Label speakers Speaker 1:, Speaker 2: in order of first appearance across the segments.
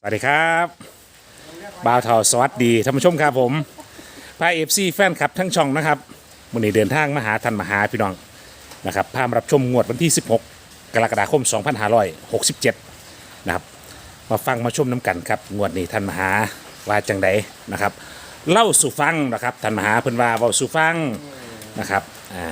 Speaker 1: สวัสดีครับบ่าวเทาสวัสดีท่านผู้ชมครับผมพาเอฟซีแฟนคลับทั้งช่องนะครับวันนี้เดินทางมาหาท่านมหาพี่น้องนะครับพามารับชมงวดวันที่ 16 กรกฎาคม 2567 นะครับมาฟังมาชมน้ำกันครับงวดนี้ท่านมหาว่าจังไดนะครับเล่าสู่ฟังนะครับท่านมหาเพิ่นว่าเว้าสู่ฟังนะครับ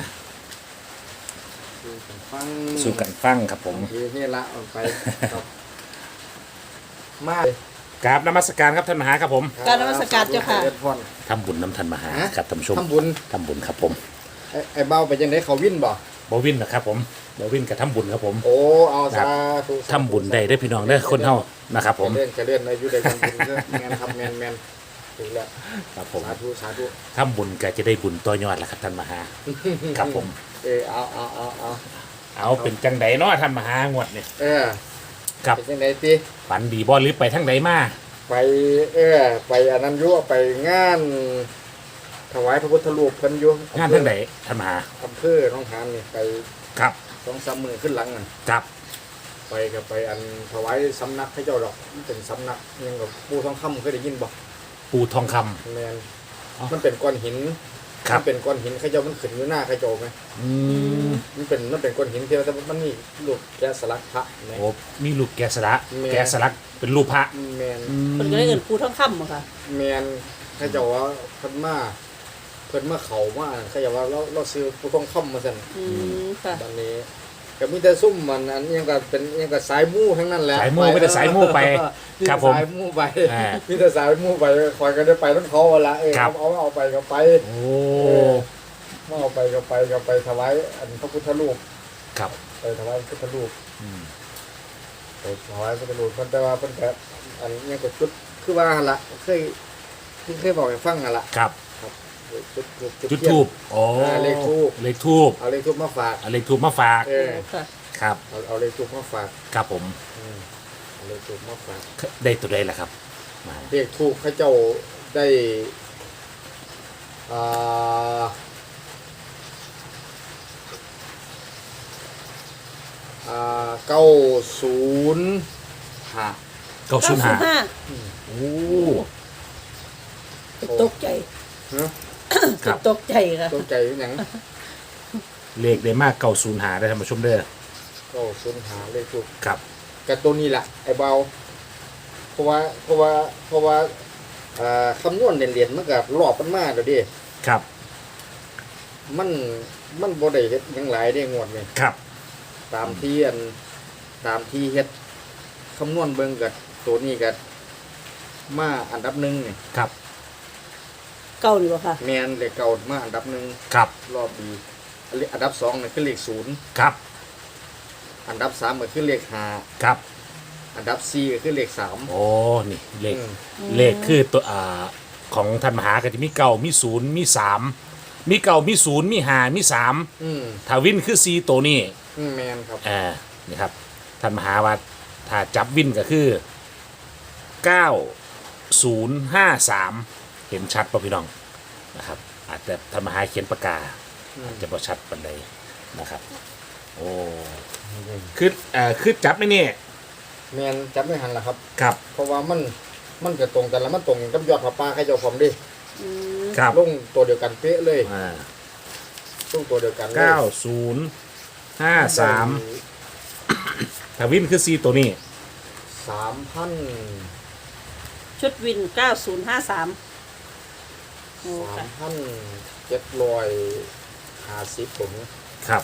Speaker 2: ฟัง
Speaker 1: สู่กันฟังครับผม
Speaker 2: นี่ละออกไปครับมา
Speaker 1: กราบนมัสการครับท่านมหาครับผม
Speaker 3: กรารนมัสการเจ้าค่ะ
Speaker 2: เดินพร
Speaker 1: ทำบุญน้ำท่านมหาครับท่านผู้ชม
Speaker 2: ทำบุญ
Speaker 1: ทำบุญครับผม
Speaker 2: ไอ้เบ้าไปยังได้เขาวิ่นบ่
Speaker 1: บวินนะครับผมบวินกับทำบุญครับผม
Speaker 2: โอ้เอาสาธุ
Speaker 1: ทำบุญได้อพี่น้องเด้อคนเฮานะครับผม
Speaker 2: จะเลื่อนอายุได้ทำบุญเด้อแมนครับแมนถูกแล้ว
Speaker 1: ครับผม
Speaker 2: สาธุ
Speaker 1: ทำบุญก็จะได้บุญต่อยอดละครับท่านมหาครับผม
Speaker 2: เอา
Speaker 1: เป็นจังไดเนาะท่านมหางวดเนี่ย
Speaker 2: ครับเป็นยังไงตี
Speaker 1: ฝันดีบ่หรือไปทั้งใดมา
Speaker 2: ไปไปอันนั้นยั่วไปงานถวายพระพุทธรูปเพิ่นอยู่
Speaker 1: งานทั้งใดท่านมหา
Speaker 2: อำเภอหนองหานนี่ไป
Speaker 1: ครับ
Speaker 2: 2-3 มื้อขึ้นหลังนั่น
Speaker 1: ครับ
Speaker 2: ไปก็ไปอันถวายสำนักให้เจ้าดอกมันเป็นสำนักยังกับปูทองคำเคยได้ยินบ่
Speaker 1: ปูทองคำ
Speaker 2: แมน
Speaker 1: อ๋อ
Speaker 2: มันเป็นก้อนหิน
Speaker 1: ครับ
Speaker 2: มันเป็นก้อนหินให้เจ้ามันขึ้นอยู่หน้าให้เจ้าไหม
Speaker 1: อืม
Speaker 2: มันเป็นก้อนหินที่ว่าแต่มันมีรูปแกะสลักพระไหม
Speaker 1: โอ้มีลูกแกะสลัก
Speaker 2: แม่
Speaker 1: แกะสลักเป็นรูปพระ
Speaker 2: แมน
Speaker 3: คนก็ได้เงินปูท่องคำอะค่ะ
Speaker 2: แมนให้เจ้าว่าเพิ่นมาเขามาเขาจะว่าเราซื้อปูทองคำมาสั่น
Speaker 3: ค่ะ
Speaker 2: ตอนนี้ก็มีแต่ซุ่มมันอันยังก็เป็นยังก็สายมู่ทั้งนั้นแหละ
Speaker 1: สายมู่ไม่ได้สายมู่ไปครับผม
Speaker 2: สายมู่ไป
Speaker 1: อ่า
Speaker 2: มีแต่สายมู่ไปคอยก็ได้ไปรถเขาเอาละ
Speaker 1: ครับ
Speaker 2: เอาไปก็ไป
Speaker 1: โอ้
Speaker 2: เอาไปก็ไปถวายอันพระพุทธรูป
Speaker 1: ครับ
Speaker 2: ไปถวายพระพุทธรูป
Speaker 1: อืม
Speaker 2: ไปถวายพระพุทธรูปเพิ่นแต่ว่าเพิ่นแบบอันยังก็จุดคือว่าหั่นละเคยบอกให้ฟังหั่นละ
Speaker 1: ครับ
Speaker 2: จุด
Speaker 1: จุด
Speaker 2: เทียน
Speaker 1: ทูบโอ้
Speaker 2: เลขธูป
Speaker 1: เลขทูบ
Speaker 2: เอาเลขทูปมาฝาก
Speaker 1: เอาเลขทูบมาฝาก
Speaker 3: ค่ะ
Speaker 1: ครับ
Speaker 2: เอาเลขทูปมาฝาก
Speaker 1: ครับผม
Speaker 2: เอาเลขทูปมาฝาก
Speaker 1: ได้ตัวใดล่ะครับมา
Speaker 2: เลขทูปเขาเจ้าได้อ่า905
Speaker 1: 905โอ้
Speaker 3: ตกใจ
Speaker 2: ฮะ
Speaker 1: ครับ
Speaker 3: ตกใจค่ะ
Speaker 2: ตกใจหยัง
Speaker 1: เลขได้มาก905ได้ท่านผู้ชมเด้อ
Speaker 2: 905เลขทูป
Speaker 1: ครับ
Speaker 2: กับตัวนี้แหละไอ้เบาเพราะว่าคำนวณเหรียญมันกับรอบมันมากเดี๋ยวดิ
Speaker 1: ครับ
Speaker 2: มันบ่ได้เฮ็ดหยังหลายได้งวดนี่
Speaker 1: ครับ
Speaker 2: ตามที่เฮ็ดคำนวณเบิ่งกับตัวนี้กับมาอันดับหนึ่งนี่
Speaker 1: ครับ
Speaker 3: เก้าดีกว่าค่ะ
Speaker 2: แมนเลขเก่ามาอันดับหนึ่ง
Speaker 1: ครับ
Speaker 2: รอบดีอันดับสองนี่คือเลขศูนย์
Speaker 1: ครับ
Speaker 2: อันดับสามก็คือเลขห้า
Speaker 1: ครับ
Speaker 2: อันดับสี่ก็คือเลขสาม
Speaker 1: โอ้นี่เลข
Speaker 2: อืม
Speaker 1: เลขคือตัวของท่านมหาก็จะมีเก้ามีศูนย์มีสามมีเก้ามีศูนย์มีห้ามีสาม
Speaker 2: อืม
Speaker 1: ถ้าวินคือ4ตัวนี้
Speaker 2: แมนครับ
Speaker 1: นี่ครับท่านมหาว่าถ้าจับวินก็คือ 9053 เห็นชัดป่ะพี่น้องนะครับอาจจะท่านมหาเขียนปากกาอาจจะบ่ชัดปานใดนะครับโอ้คือจับในนี่
Speaker 2: แมนจับไม่หันละครับ
Speaker 1: ครับ
Speaker 2: เพราะว่ามันจะตรงกันแล้วมันตรงกับยอดผ้าป่าให้เจ้าผมดิ
Speaker 1: ครับ
Speaker 2: ลงตัวเดียวกันเป๊ะเลย
Speaker 1: อ่า
Speaker 2: ลงตัวเดียวกันเลย
Speaker 1: 9053ถ้าวินคือ4ตัวนี้
Speaker 2: 3,000
Speaker 3: ชุดวิน 9053โอ้ค่ะ
Speaker 2: 3,750ผม
Speaker 1: ครับ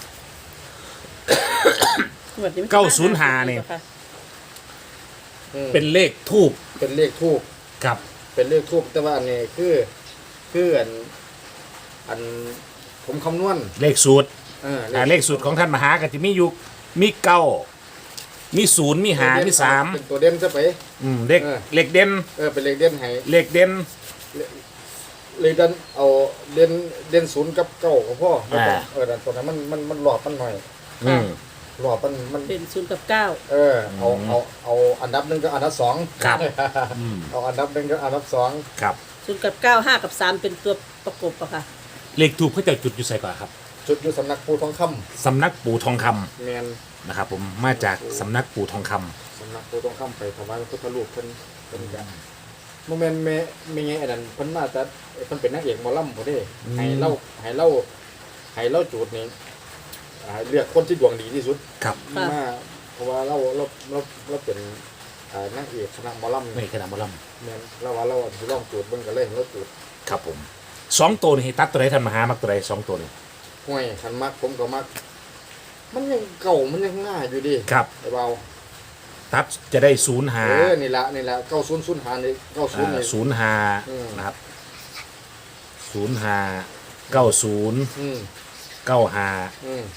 Speaker 3: งวดนี้มัน
Speaker 1: 905นี่
Speaker 3: ค่ะ
Speaker 1: เป็นเลขทูบ
Speaker 2: เป็นเลขทูบ
Speaker 1: ครับ
Speaker 2: เป็นเลขทูบแต่ว่าอันนี้คืออันผมคำนวณ
Speaker 1: เลขสูตร
Speaker 2: เลข
Speaker 1: เลขสูตรของท่านมหาก็จะมีอยู่มีเก้ามีศูนย์มีหามีสาม
Speaker 2: เป็นตัวเด่นซะไป
Speaker 1: เลข
Speaker 2: เออ
Speaker 1: เลขเด่น
Speaker 2: เป็นเลขเด่นให้
Speaker 1: เลขเด่น
Speaker 2: เลขเด่นเอาเด่นศูนย์กับเก้าของพ่อแต่ตัวนั้นมันหลอดมันหน่อย
Speaker 1: อืม
Speaker 2: หลอดมัน
Speaker 3: เป็น0 กับ 9
Speaker 2: เอาอันดับหนึ่งกับอันดับสอง
Speaker 1: ครับ
Speaker 2: เอาอันดับหนึ่งกับอันดับสอง
Speaker 1: ครับ
Speaker 3: 0 กับ 9 5 กับ 3 เป็นตัวประกบอะค่ะ
Speaker 1: เลขทูบเขาจะจุดอยู่ใส่ก่อนครับ
Speaker 2: จุดอยู่สำนักปูทองค
Speaker 1: สำนักปู่ทองคำ
Speaker 2: ำแมน
Speaker 1: นะครับผมมาจากสำนักปู่ทองคำ
Speaker 2: สำนักโพต้องค้ำไปถวายพระพุทธรูปเพิ่นก็โมเมนต์แม่ไงอันนั้นเพิ่นมาแต่เพิ่นเป็นนางเอกหมอลำบ่ได้ให้เล่าจูดนี่เลือกคนที่ดวงดีที่สุด
Speaker 1: ครับ
Speaker 2: มาเพราะว่าเราเป็นนางเอกคณะหมอลำ
Speaker 1: ไม่ขนาดมอล
Speaker 2: แม่นเราสิลองจูดเบิ่งก็เลยเราจูด
Speaker 1: ำครับผม2ตัวนี่ให้ตัดตัวไหนท่านมหามักตัวไหน2ตัวนี่
Speaker 2: ห้วยคันมักผมก็มักมันยังเก่ามันยังง่ายอยู่ดิ
Speaker 1: ครับ
Speaker 2: ไอ้เบา
Speaker 1: ตัดจะได้0หา
Speaker 2: นี่ละ9005นี่90นี่
Speaker 1: 0หา
Speaker 2: อืม
Speaker 1: นะครับ0หา90
Speaker 2: อืม
Speaker 1: 9หา
Speaker 2: อืม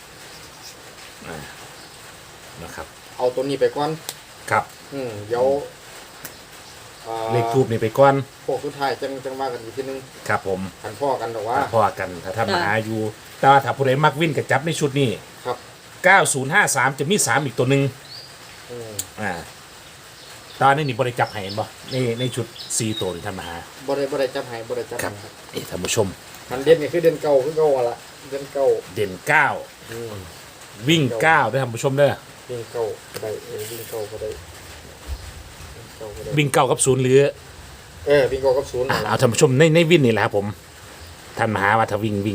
Speaker 1: นะครับ
Speaker 2: เอาตัวนี้ไปก่อน
Speaker 1: ครับ
Speaker 2: เดี๋ยว
Speaker 1: เลขทูบนี่ไปก่อน
Speaker 2: พวกสุดท้ายจังว่ากันอีกทีนึง
Speaker 1: ครับผม
Speaker 2: ขันพ่อกันหรอกว่า
Speaker 1: พอกันถ้าท่านมหาอยู่แต่ว่าถ้าผู้ใดมักวิ่นกับจับในชุดนี้
Speaker 2: ครับ
Speaker 1: 9053จะมี3อีกตัวหนึ่ง
Speaker 2: อืม
Speaker 1: ตอนนี้นี่บริจับให้เห็นบ่ในชุด4ตัวนี่ท่านมหา
Speaker 2: บ่ได้จับให้บ่ได้จับ
Speaker 1: ครั
Speaker 2: ให้
Speaker 1: บนี่ท่านผู้ชม
Speaker 2: มันเด่นนี่คือเด่นเก่าคือเก่าอะล่ะเด่นเก่า
Speaker 1: เด่น
Speaker 2: อืม
Speaker 1: 9 วิ่ง9ด้วยท่านผู้ชมเด้อ
Speaker 2: วิ่งเก่าก็ได้วิ่งเก่าก็ได้วิ่งเก่าก็ได้
Speaker 1: วิ่ง9กับ0หรือ
Speaker 2: วิ่งเก่ากับศูนย์นั่นล่ะ
Speaker 1: เอาท่านผู้ชมในวิ่นนี่แหละครับผมท่านมหาว่าถ้าวิ่ง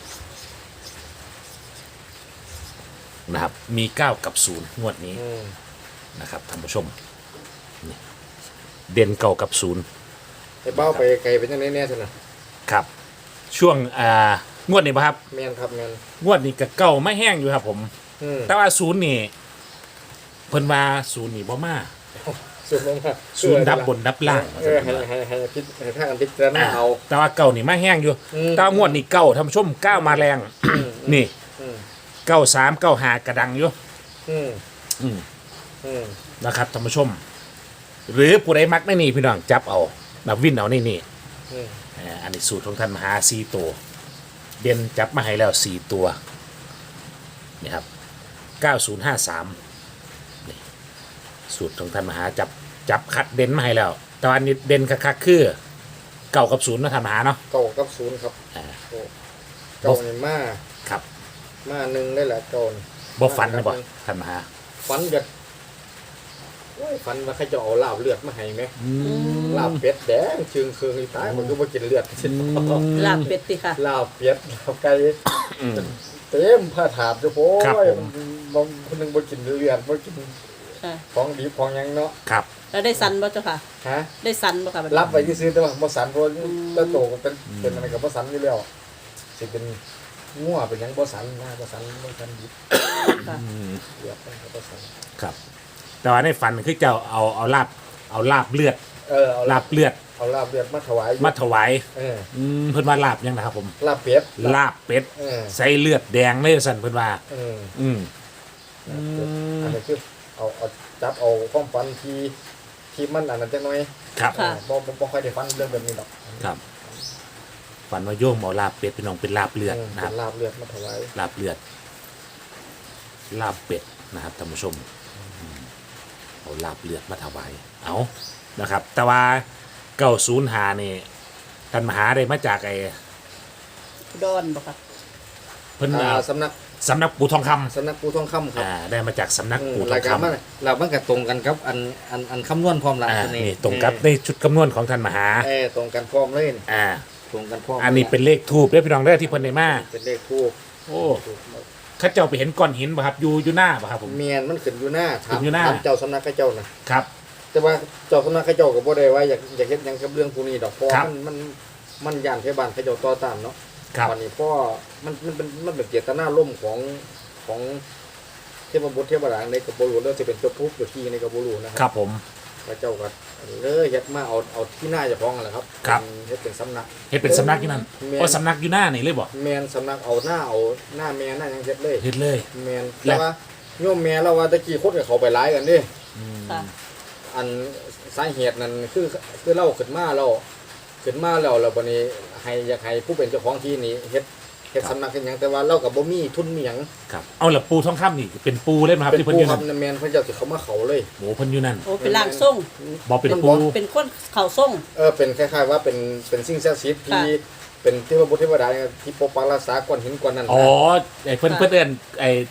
Speaker 1: นะครับมี 9 กับ 0 งวดนี้
Speaker 2: อืม
Speaker 1: นะครับท่านผู้ชมนี่เด่นเก่ากับ 0
Speaker 2: ไอ้เบ้าไปไกลเป็นจังได๋แน่ซั่นน่ะ
Speaker 1: ครับช่วงงวดนี้ป่ะครับ
Speaker 2: แม่นครับแม่น
Speaker 1: งวดนี้ก็เก่าไม่แห้งอยู่ครับผม แต่ว่า0นี่เพิ่นว่า0นี่บ่มา
Speaker 2: ศูนย์ลงมา
Speaker 1: 0ดับบนดับล่าง
Speaker 2: ให้พิจให้ถ้ากันพิจารณาเอา
Speaker 1: แต่ว่าเก่านี่มาแห้งอยู่ แต่ว่างวดนี้เก่าท่านผู้ชมเก้ามาแรง นี่
Speaker 2: อืม
Speaker 1: 93 95กระดังอยู่
Speaker 2: อืม
Speaker 1: อืม
Speaker 2: อืม
Speaker 1: นะครับท่านผู้ชม หรือผู้ใดมักในนี่พี่น้องจับเอานับวินเอาในนี่
Speaker 2: อืม
Speaker 1: อันนี้สูตรของท่านมหา4ตัวเด่นจับมาให้แล้ว4ตัวนี่ครับ9053นี่สูตรของท่านมหาจับคัดเด่นมาให้แล้วแต่ว่าอันนี้เด่นคักๆคือเก่ากับ0นะท่านมหาเนาะ
Speaker 2: เก่ากับศูนย์ครับ
Speaker 1: อ่า
Speaker 2: โอ้เก่านี่มา
Speaker 1: ครับ
Speaker 2: มาหนึ่งได้แหละเก่านี่
Speaker 1: บ่ฟันนะบ่ท่านมหา
Speaker 2: ฝันกันโอ้ยฝันว่าเขาจะเอาลาบเลือดมาให้ไหมลาบเป็ดแดงเชิงเคืองอีตายมันก็บ่กินเลือด
Speaker 3: ลาบเป็ดติค่ะ
Speaker 2: ลาบเป็ดลาบไก่เต็มผ้าถาดเจ้าโว้ยบางคนหนึงบ่กินเลือดบ่กิน
Speaker 3: ค่ะ
Speaker 2: ของดีของหยังเนาะ
Speaker 1: ครับ
Speaker 3: แล้วได้สันบ่เจ้าค่ะ
Speaker 2: ฮะ
Speaker 3: ได้สันบ่ค่ะบัดนี้
Speaker 2: รับไว้ซื้อๆแต่ว่าบ่สันเพราะแล้วโตก็เป็นอะไรกับบ่สันอยู่แล้วสิเป็นงัวเป็นหยังบ่สันนะบ่สันดิบ
Speaker 3: ค่ะ
Speaker 2: เลือดมันก็บ่สัน
Speaker 1: ครับ แต่ว่าในฝันคือเจ้าเอาลาบเลือด
Speaker 2: เอา
Speaker 1: ลาบเลือด
Speaker 2: เอาลาบเลือดมาถวาย
Speaker 1: มาถวาย
Speaker 2: เออ
Speaker 1: เพิ่นว่าลาบยังนะครับผม
Speaker 2: ลาบเป็ด
Speaker 1: ลาบเป็ด
Speaker 2: เออ
Speaker 1: ใส่เลือดแดงเลยสั่นเพิ่นว่า
Speaker 2: เออ
Speaker 1: อืม
Speaker 2: อันนี้คือเอาจับเอาความฝันที่มันอันนั้นจังหน่อย
Speaker 1: ครับ
Speaker 3: ค่ะ
Speaker 2: บ่ค่อยได้ฝันเรื่องแบบนี้หรอก
Speaker 1: ครับฝันว่าโยมเอาลาบเป็ดพี่น้องเป็นลาบเลือดนะค
Speaker 2: เป็
Speaker 1: รับ
Speaker 2: นลาบเลือดมาถวาย
Speaker 1: ลาบเลือด ลาบเป็ดนะครับท่านผู้ชมเอาลาบเลือดมาถวายเอานะครับ แต่ว่า905นี่ท่านมหาได้มาจากไอ้
Speaker 3: ดอนบ่ค่ะ
Speaker 1: เพิ่น
Speaker 2: สำนัก
Speaker 1: สำนักปู่ทองคำ
Speaker 2: สำนักปูทองคำครับ
Speaker 1: ได้มาจากสำนักปู่ทอ
Speaker 2: ราง ยการ
Speaker 1: คำ
Speaker 2: มันเรามันก็ตรงกันครับอันคำนวณพร้อมหลังตัว
Speaker 1: นี่ตรงกับในชุดคำนวณของท่านมหา
Speaker 2: ตรงกันพร้อมเลยนี่
Speaker 1: อ่า
Speaker 2: ตรงกันพร้อม
Speaker 1: อันนี้เป็นเลขทูบเด้อพี่น้องเด้อที่เพิ่นได้มา
Speaker 2: เป็นเลขทูบ
Speaker 1: โอ้เข้าเจ้าไปเห็นก้อนหินป่ะครับอยู่หน้าป่ะครับผม
Speaker 2: เมียนมันขึ้นอยู่หน้า
Speaker 1: ขึ้นอยู่หน้า
Speaker 2: ถามเจ้าสำนักข้าเจ้านะครับ แต่ว่าเจ้าสำนักข้าเจ้าก็บ่ได้ว่าอยากเฮ็ดหยังกับเรื่องพวกนี้ดอกเพราะ
Speaker 1: ครับ
Speaker 2: มันย่านเทบานข้าเจ้าต่อต้านเนาะ
Speaker 1: ครับ
Speaker 2: วันนี้พ่อมันเป็นเจตนาร่มของเทพบุตรเทพดาในกับบ่รู้แล้วสิเป็นตัวผู้ตัวที่ในกับบ่รู้นะค
Speaker 1: ครับ รับผม
Speaker 2: พระเจ้าก็เลยเฮ็ดมาเอาที่หน้าเจ้าของนั่นแหละครับ
Speaker 1: ครับ
Speaker 2: เฮ็ดเป็นสำนัก
Speaker 1: เฮ็ดเป็นสำนักอยู่นั่น
Speaker 2: แม่น
Speaker 1: โอ้สำนักอยู่หน้านี่เลยบ่
Speaker 2: แมนสำนักเอาหน้าแม่หน้าหยังเฮ็ดเลย
Speaker 1: เฮ็ดเลย
Speaker 2: แมน
Speaker 1: แล้
Speaker 2: แต่
Speaker 1: ว
Speaker 2: ว่าโยมแม่เราว่าตะกี้คนกับเขาไปหลายกันเดิ
Speaker 3: ค่ะ
Speaker 2: อันสาเหตุนั้นคือเราขึ้นมาแล้วบัดนี้อยากให้ผู้เป็นเจ้าของที่นี่เฮ็ดสำนักเฮ็ดหยังแต่ว่าเราก็บ่มีทุนมีหยัง
Speaker 1: ครับเอาละปูทองคำนี่เป็นปูเล่นมาครับ
Speaker 2: เป็น
Speaker 1: ที่เพิ่น
Speaker 2: ผู้
Speaker 1: อยู่
Speaker 2: ค
Speaker 1: นั่น
Speaker 2: รับแมนเพิ่นเจ้าสิเขามาเขาเลย
Speaker 1: โอ้เพิ่นอยู่นั่น
Speaker 3: โอ้เป็นร่างทรง
Speaker 1: บ่เป็นปู
Speaker 3: เป็นคนเข่าทรง
Speaker 2: เป็นคล้ายๆว่าเป็นสิ่งศักดิ์สิทธิ์ที่
Speaker 3: ค่ะ
Speaker 2: เป็นเทพบุตรเทวดาที่ปกปักรักษาก้อนหินก้อนนั้นนะ
Speaker 1: อ๋อไอ้เพิ่นเอิ้นไอ้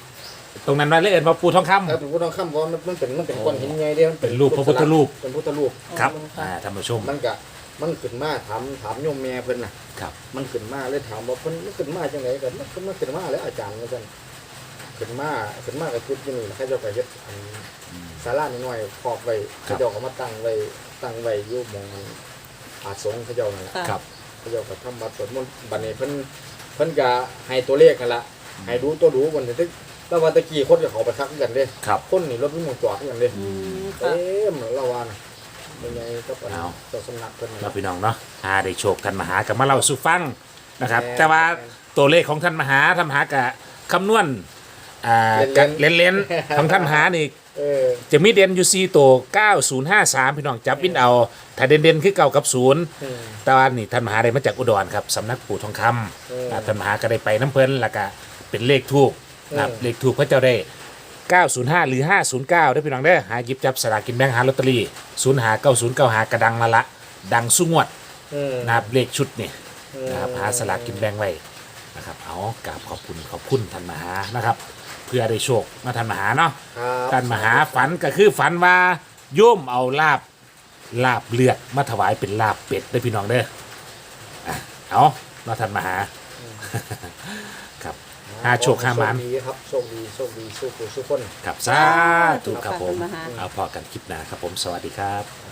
Speaker 1: ตรงนั้นไว้เลยเอิ้นว่าปูทองคำ
Speaker 2: แล้วถูกต้องคำว่ามันเป็นก้อนหินใหญ่เด้
Speaker 1: เป็นรูปพระพุทธรูป
Speaker 2: เป็นพุทธรูป
Speaker 1: ครับท่านผู้ชม
Speaker 2: มันขึ้นมาถามโยมแม่เพิ่นน่ะ
Speaker 1: ครับ
Speaker 2: มันขึ้นมาเลยถามว่ามันขึ้นมาจังไดกันมันขึ้นมาแล้วอาจารย์ว่าซั่นขึ้นมากับชุดอยู่นี่แล้วเขาเจ้าก็เฮ็ดอันศาลาน้อยๆครอบไว้เขาเจ้าก็มาตั้งไว้อยู่หม่องอาสงฆ์เขาเจ้านั่นแหละ
Speaker 3: ค่ะ
Speaker 1: ครับ
Speaker 2: เขาเจ้าก็ทำบัตรสวดมนต์บัดนี้เพิ่นก็ให้ตัวเลขกันละให้ดูตัวดูวันนี้แล้ววันตะกี้คนก็เขาไปทักกันเด้
Speaker 1: ครับ
Speaker 2: คนนี่รถวิ่งจอดกันเด้
Speaker 3: อืม
Speaker 2: เต็
Speaker 3: ค่ะ
Speaker 2: มละวันเป็นไงก็ปน
Speaker 1: เอา
Speaker 2: เจ้าสำนักเพิ่น
Speaker 1: เราพี่น้องเนาะได้โชคท่านมหากับมาเล่าสู่ฟังนะครับ
Speaker 2: แม่น
Speaker 1: แต่ว่าตัวเลขของท่านมหากับคำนวณ
Speaker 2: เล่นๆ
Speaker 1: เล่นๆของท่านมหานี่
Speaker 2: เออ
Speaker 1: จะมีเด่นอยู่4ตัว9053พี่น้องจับวินเอาถ้าเด่นๆคือเก่ากับ0
Speaker 2: อืม
Speaker 1: แต่ว่านี่ท่านมหาได้มาจากอุดรครับสำนักปู่ทองคำท่านมหาก็ได้ไปน้ำเพลินแล้วก็เป็นเลขทูกนะครับเลขทูกพระเจ้าได้ 905 หรือ 509ได้อพี่น้องได้อหาหยิบจับสลากกินแบ่งหาลอตเตอรี่0หา90 9หากระดังมาละดังสุงวด
Speaker 2: อืม
Speaker 1: นะครับเลขชุดนี่นะครับหาสลากกินแบ่งไว้นะครับเอากราบขอบคุณท่านมหานะครับ เพื่อได้โชคมาท่านมหาเนาะ
Speaker 2: ครับ
Speaker 1: ท่านมหาฝันก็คือฝันว่าโยมเอาลาบเลือดมาถวายเป็นลาบเป็ดได้อพี่น้องเด้ออ่ะเอาเนาะท่านมหา ครับหาโชคหาหมาน
Speaker 2: โชคดีครับโชคดีสู้ผู้สู้คน
Speaker 1: ครับสาธุครับผม
Speaker 3: ท่านมหา
Speaker 1: เอาพอกันคลิปหน้าครับผมสวัสดีครับ
Speaker 2: ค